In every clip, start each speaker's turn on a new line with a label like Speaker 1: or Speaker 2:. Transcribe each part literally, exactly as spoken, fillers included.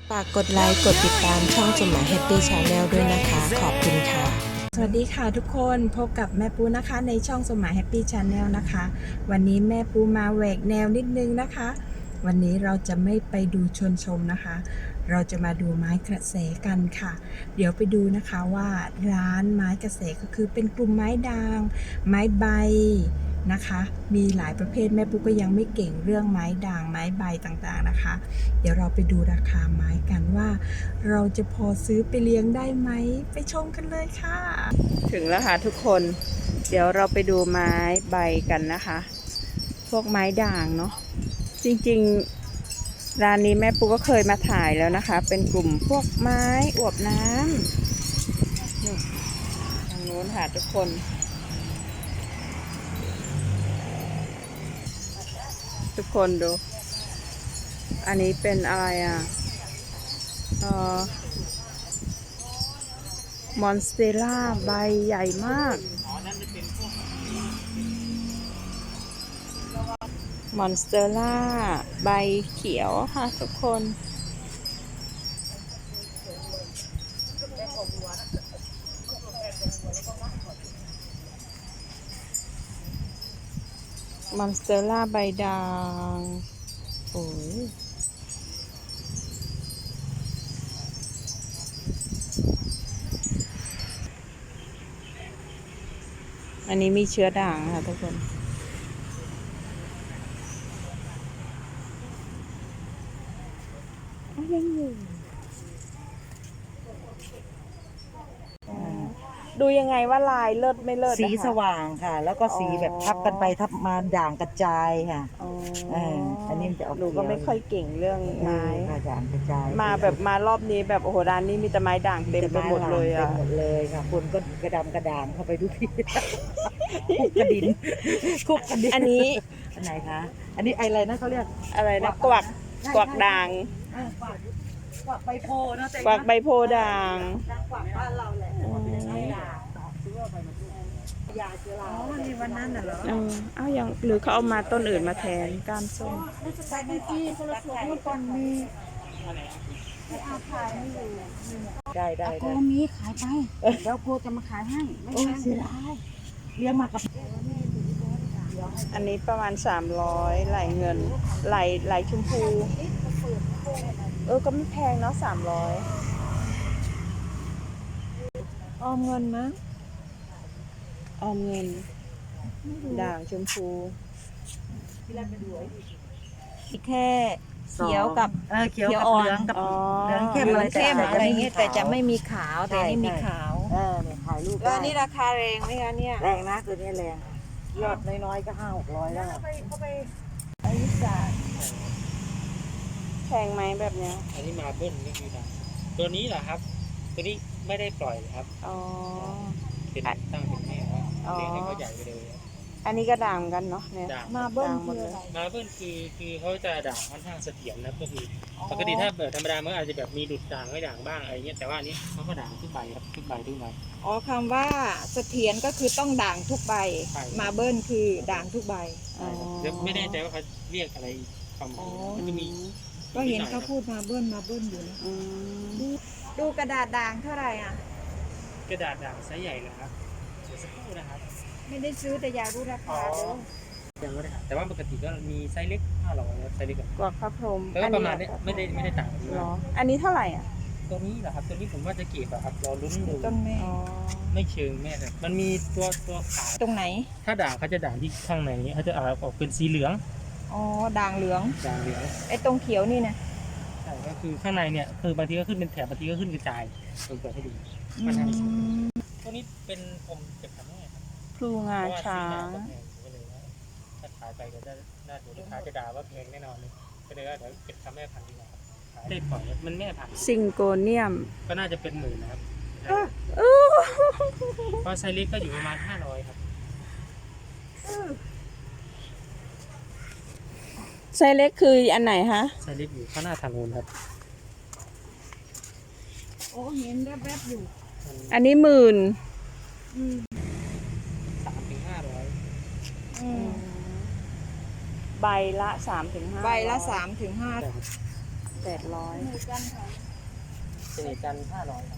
Speaker 1: ฝากกดไลค์กดติดตามช่องสมหมายแฮปปี้ชาแนลด้วยนะคะขอบคุณค่ะสวัสดีค่ะทุกคนพบกับแม่ปูนะคะในช่องสมหมายแฮปปี้ชาแนลนะคะวันนี้แม่ปูมาแหวกแนวนิดนึงนะคะวันนี้เราจะไม่ไปดูชวนชมนะคะเราจะมาดูไม้กระแสกันค่ะเดี๋ยวไปดูนะคะว่าร้านไม้กระแสก็คือเป็นกลุ่มไม้ด่างไม้ใบนะคะมีหลายประเภทแม่ปูก็ยังไม่เก่งเรื่องไม้ด่างไม้ใบต่างๆนะคะเดี๋ยวเราไปดูราคาไม้กันว่าเราจะพอซื้อไปเลี้ยงได้ไหมไปชมกันเลยค่ะถึงแล้วค่ะทุกคนเดี๋ยวเราไปดูไม้ใบกันนะคะพวกไม้ด่างเนาะจริงๆร้านนี้แม่ปูก็เคยมาถ่ายแล้วนะคะเป็นกลุ่มพวกไม้อวบน้ำนี่ทางโน้นค่ะทุกคนทุกคนดูอันนี้เป็นอะไรอ่ะเอ่อมอนสเตล่าใบใหญ่มากมอนสเตล่าใบเขียวค่ะทุกคนมอนสเตล่าใบด่างโอ้ยอันนี้มีเชื้อด่างค่ะทุกคนยังอยู่ดูยังไงว่าลายเลิศไม่เลิศ
Speaker 2: สี
Speaker 1: นะคะ
Speaker 2: สว่างค่ะ แล้วก็สีแบบทับกันไปทับมาด่างกระจายค่ะ
Speaker 1: อ๋อ
Speaker 2: เอออันนี้มันจะออก
Speaker 1: หนูก็ไม่ค่อยเก่งเรื่องไม้
Speaker 2: ค่ะด่างกระจาย
Speaker 1: มาแบบมารอบนี้แบบโอ้โหร้านนี้มีแต่ไม้ด่างเต็มไปหมดเลย
Speaker 2: เต็
Speaker 1: อ่ะ
Speaker 2: มหมดเลยค่ะคนก็กระดำกระด่างเข้าไปทุกทีคุกกระดินคุกกระดิน
Speaker 1: อันนี้
Speaker 2: อันไหนคะอันนี้อะไรนะเขาเรียก
Speaker 1: อะไรนะกวักกวักด่าง
Speaker 2: เออกวักกวักใบโพเนาะแต่
Speaker 1: กวักใบโพด่าง
Speaker 2: ด่างกวักบ้านเราแหละแต่ว่าเป็นไม้ด่างซื้อเอาไปมาดูยาเชื้อราอ๋อมันมีวันนั้นน่ะเหรอ
Speaker 1: เออเอ้ายังหรือเขาเอามาต้นอื่นมาแทนก้านส้ม
Speaker 2: ราชการที่คนละส่วนเมื่อก่อนมีที่อาขายไม่อยู่ได้ได้
Speaker 3: โก
Speaker 2: ได้
Speaker 3: มีขายไปเดี๋ยวโกจะมาขายให้ไม่
Speaker 2: โอ้
Speaker 3: แพง
Speaker 2: เสียดายเลี้ยงมากับ
Speaker 1: อันนี้ประมาณสามร้อยไหลเงินไหลไหลชมพูเออก็ไม่แพงเนาะสามร้อยออมเงินมั้งออมเงินด่างชมพู
Speaker 3: แค่เขียวกับ
Speaker 2: เออเขียว
Speaker 3: เขียว
Speaker 2: กับ
Speaker 3: อ่อน
Speaker 2: เหลืองกับ
Speaker 1: อ๋อ
Speaker 2: เหลืองเข้มอะไร
Speaker 3: เข้มอะไรเงี้ยแต่จะไม่มีขาวแต่นี่มีขาว
Speaker 2: เออเนี่ยถ่ายรูป
Speaker 3: แล้ว
Speaker 2: ได้
Speaker 3: นี่ราคาแรงไหมคะเนี่ย
Speaker 2: แรงนะตัวนี้แรงยอดน้อยๆก็ห้าหกร้อยแล้ว
Speaker 3: ไอ้สา
Speaker 1: แพงไหมแบบเนี้ย
Speaker 4: อันนี้มาเบิ้ลนี่คือดังตัวนี้เหรอครับ ตัวนี้ไม่ได้ปล่อยครับ
Speaker 1: อ๋อ
Speaker 4: เป็นตั้งเป็นแม่ครับ
Speaker 1: อ๋อ
Speaker 4: เลี้ยงให้เขาใหญ่ไปเลยครับ
Speaker 1: อันนี้ก็ด่างกันเนาะเนี่ย
Speaker 4: ด่าง
Speaker 3: มาเบิ้ล
Speaker 1: ด่างหม
Speaker 3: คื
Speaker 1: ด
Speaker 3: อ
Speaker 1: เลย
Speaker 3: อะไร
Speaker 4: มาเบิ้ลคือคือเขาจะด่างค่อนข้างเสถียรนะก็คือปกติถ้าแบบธรรมดามันก็อาจจะแบบมีดุดด่างไม่ด่างบ้างอะไรเงี้ยแต่ว่าอันนี้เขาก็ด่างทุกใบครับทุกใบทุกใบ
Speaker 3: อ๋อคำว่าเสถียรก็คือต้องด่างทุกใบ
Speaker 4: ใช่
Speaker 3: มาเบิ้ลคือด่างทุกใบ
Speaker 1: อ๋อ
Speaker 4: เดี๋ยวไม่แน่ใจว่าเขาเรียกอะไรความหมายมันจะมี
Speaker 3: ก็เห็นเขาพูดมาเบิ้ลมาเบิ้ลอยู่นะ
Speaker 1: อืม
Speaker 3: ดูกระดาษด่างเท่าไหร่อ่ะ
Speaker 4: กระดาษด่างไซส์ใหญ่เลยครับเดี๋ยวสักครู่นะครับ
Speaker 3: ไม่ได้ซื้อแต่อยากรู้ราคาเด้อ
Speaker 4: ยังไม่ได้หาแต่ว่าปกติก็มีไซส์เล็กห้าร้อยไซส์เล็กอะ
Speaker 1: กวักพระพรหม
Speaker 4: แล้วก็ประมาณเนี้ยไม่ได้ไม่ได้ต่างกัน
Speaker 1: เหร
Speaker 4: มา
Speaker 1: อก อันนี้เท่าไหร่อ่ะ
Speaker 4: ตัวนี้เหรอครับตัวนี้ผมว่าจะเก็บอะครับรอลุ้นดู
Speaker 3: ต้นแม่
Speaker 1: อ๋อ
Speaker 4: ไม่เชิงแม่แต่มันมีตัวตัวขาว
Speaker 3: ตรงไหน
Speaker 4: ถ้าด่างเขาจะด่างที่ข้างในนี้เขาจะออกเป็นสีเหลือง
Speaker 3: อ๋อด่างเหลือง
Speaker 4: ด่างเหลือง
Speaker 3: ไอ้ตรงเขียวนี่นะ
Speaker 4: ใช่ก็คือข้างในเนี่ยคือบางทีก็ขึ้นเป็นแถบบางทีก็ขึ้นกระจายผมเปิดให้ดู
Speaker 3: อืม
Speaker 4: ตัวนี้เป็นผมเก็บทำแม่ครับ
Speaker 1: พลูงา
Speaker 4: เพราะว่า
Speaker 1: ช้า
Speaker 4: ซื้อง มาก็แพงก็เลยว่าถ้าขายไปก็จะน่าจะลูกค้าจะด่าว่าแพงแน่นอนเลยก็เลยว่าเดี๋ยวเก็บทำแม่พันธุ์ดีกว่าครับขายได้ปล่อยมันแม่พันธุ์
Speaker 1: ซิงโกเนียม
Speaker 4: ก็น่าจะเป็นหมื่นนะครับ
Speaker 1: อู้
Speaker 4: เพราะไซส์เล็กก็อยู่ประมาณห้าร้อยครับ
Speaker 1: ไซส์เล็กคืออันไหนฮะ
Speaker 4: ไซส์เล็กอยู่ข้างหน้าทางโน้นครับ
Speaker 3: โอ้เห็นแวบๆอยู่
Speaker 1: อันนี้หมื่น
Speaker 4: สามถึงห้าร้อย
Speaker 3: อืม
Speaker 1: ใบละสามถึงห้า
Speaker 3: ใบละสามถึงห้า
Speaker 4: แต่
Speaker 2: แปดร้อย
Speaker 4: เจเนจันห้าร้อยครับ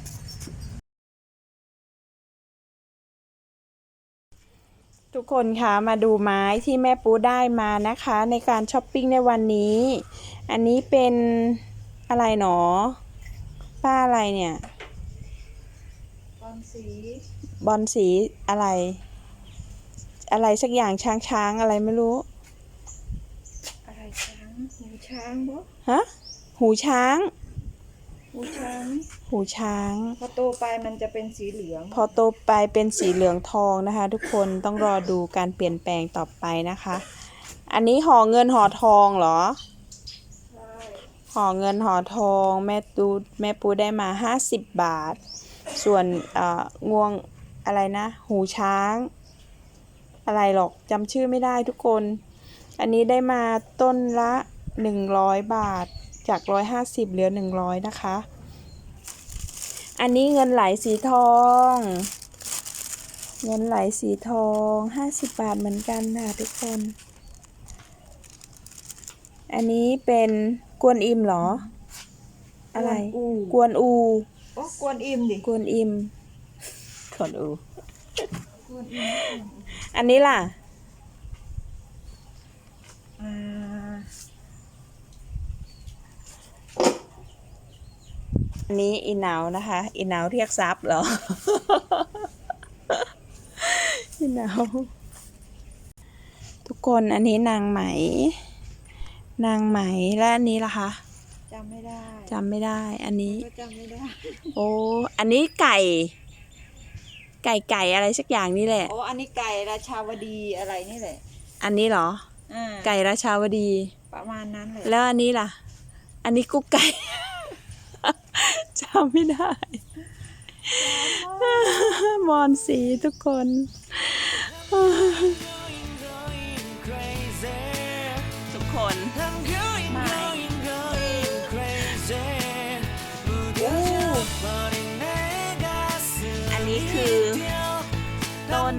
Speaker 1: ทุกคนคะมาดูไม้ที่แม่ปูได้มานะคะ ในการช้อปปิ้งในวันนี้ อันนี้เป็นอะไรหนอป้าอะไรเนี่ย
Speaker 2: บอลสี
Speaker 1: บอลสีอะไร อะไรสักอย่างช้างช้างอะไรไม่รู้
Speaker 2: อะไรช้างหูช้างบ่
Speaker 1: ฮะหูช้าง
Speaker 2: หูช้าง
Speaker 1: หูช้าง
Speaker 2: พอโตไปมันจะเป็นสีเหลือง
Speaker 1: พอโตไปเป็นสีเหลืองทองนะคะ ทุกคนต้องรอดูการเปลี่ยนแปลงต่อไปนะคะ อันนี้ห่อเงินห่อทองเหรอ
Speaker 2: ใช่
Speaker 1: ห่อเงินห่อทองแม่ตูแม่ปูได้มาห้าสิบบาท ส่วนเอ่องวงอะไรนะ หูช้าง อะไรหรอกจำชื่อไม่ได้ทุกคน อันนี้ได้มาต้นละหนึ่งร้อยบาทจากร้อยห้าสิบเหลือหนึ่งร้อยนะคะ อันนี้เงินไหลสีทอง เงินไหลสีทองห้าสิบบาทเหมือนกันค่ะทุกคน อันนี้เป็นกวนอิมเหรอ อะไร
Speaker 2: อู
Speaker 1: กวนอู
Speaker 2: โอ้กวนอิมดิ
Speaker 1: กวนอิมกวนอู
Speaker 2: กวนอิม
Speaker 1: อันนี้ล่ะ
Speaker 2: อ่า
Speaker 1: อันนี้อีหนาวนะคะ อีหนาวเรียกทรัพย์เหรอ อีหนาวทุกคนอันนี้นางไหม นางไหมและอันนี้ล่ะคะ
Speaker 2: จำไม่ได้
Speaker 1: จำไม่ได้ อันนี้
Speaker 2: ก็จำไม่ได้
Speaker 1: โอ้ อันนี้ไก่ ไก่ไก่อะไรสักอย่างนี่แหละ
Speaker 2: โอ้อันนี้ไก่ราชาวดีอะไรนี่แหละ
Speaker 1: อันนี้เหรอ
Speaker 2: อ่า
Speaker 1: ไก่ราชาวดี
Speaker 2: ประมาณนั้นเลย
Speaker 1: แล้วอันนี้ล่ะ อันนี้กุ๊กไก่ จำไม่ได้ มอนสีทุกคน ทุกคนไม่อันนี้คือต้น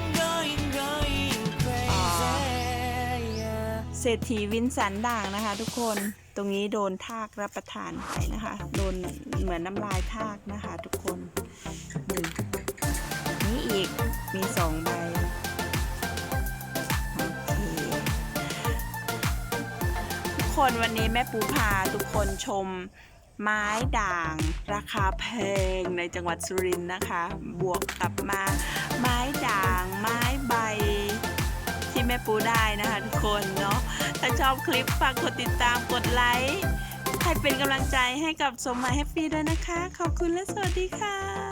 Speaker 1: อ่าเศรษฐีวินสันด่างนะคะทุกคน ตรงนี้โดนทากรับประทานไปนะคะ โดนเหมือนน้ำลายทากนะคะทุกคนหนึ่งนี่อีกมีสองใบโอเคทุกคนวันนี้แม่ปูพาทุกคนชมไม้ด่างราคาแพงในจังหวัดสุรินทร์นะคะ บวกกับมาไม้ด่างไม้ใบที่แม่ปูได้นะคะทุกคนเนาะถ้าชอบคลิปฝากกดติดตามกดไลค์ให้เป็นกำลังใจให้กับสมหมายแฮปปี้ด้วยนะคะ ขอบคุณและสวัสดีค่ะ